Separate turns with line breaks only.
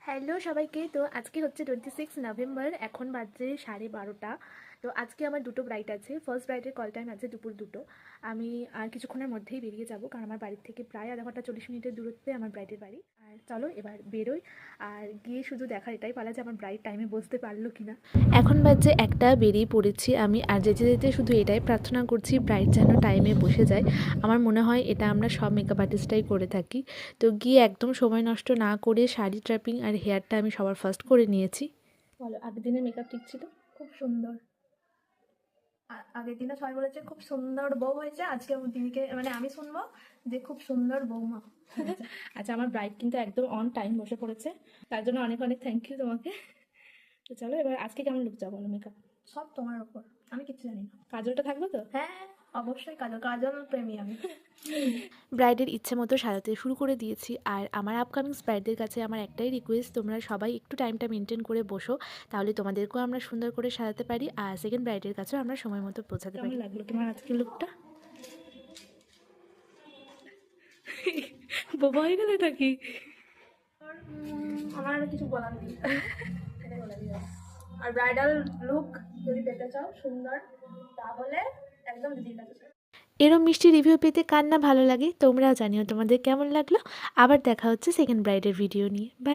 Hello সবাইকে। তো আজকে হচ্ছে 26 নভেম্বর, এখন বাজে 12:30। তো আজকে আমার দুটো ব্রাইড আছে। ফার্স্ট ব্রাইডের কল টাইম আছে দুপুর 2টো। আমি আর কিছুক্ষণের মধ্যেই বেরিয়ে যাব, কারণ আমার বাড়ির থেকে প্রায় আধা ঘন্টা 40 মিনিটের দূরত্বে আমার ব্রাইডের বাড়ি। আর চলো এবার বেরোই, আর গিয়ে শুধু দেখার এটাই পালা যে আমার ব্রাইড টাইমে বসতে পারলো কিনা। এখন বাজে একটা, বেরিয়ে পড়েছি আমি। আর যেতে যেতে শুধু এটাই প্রার্থনা করছি ব্রাইড যেন টাইমে বসে যায়। আমার মনে হয় এটা আমরা সব মেকআপ আর্টিস্টরাই করে থাকি। তো গিয়ে একদম সময় নষ্ট না করে শাড়ি ট্র্যাপিং আর হেয়ারটা আমি সবার ফার্স্ট করে নিয়েছি। বলো, আগের দিনের মেকআপ ঠিক ছিল? খুব সুন্দর। আগের দিনে সবাই বলেছে খুব সুন্দর বউ হয়েছে, আজকে দিদিকে মানে আমি শুনবো যে খুব সুন্দর বৌমা। আচ্ছা, আমার ব্রাইড কিন্তু একদম অন টাইম বসে পড়েছে, তার জন্য অনেক অনেক থ্যাংক ইউ তোমাকে। তো চলো এবার আজকে কেমন লুক যাবো বলো? মেকআপ সব তোমার ওপর, আমি কিছু জানি না। কাজলটা থাকবে তো? হ্যাঁ অবশ্যই, কাজল কাজল প্রেমী আমি। ব্রাইডের ইচ্ছে মতো সাজাতে শুরু করে দিয়েছি। আর আমার আপকামিং ব্রাইডদের কাছে আমার একটাই রিকোয়েস্ট, তোমরা সবাই একটু টাইমটা মেনটেন করে বসো, তাহলে তোমাদেরকেও আমরা সুন্দর করে সাজাতে পারি, আর সেকেন্ড ব্রাইডের কাছেও আমরা সময় মতো পৌঁছাতে পারি। কেমন লাগলো তোমার আজকের লুকটা? বোবা হয়ে গেলে নাকি? আমার আর কিছু বলার নেই, এটাই বলে দিও। আর ব্রাইডাল লুক যদি পেতে চাও সুন্দর, তাহলে একদম দিদির কাছে। এরম মিষ্টি রিভিউ পেতে কার না ভালো লাগে, তোমরাও জানিও তোমাদের কেমন লাগলো। আবার দেখা হচ্ছে সেকেন্ড ব্রাইডের ভিডিও নিয়ে। বাই।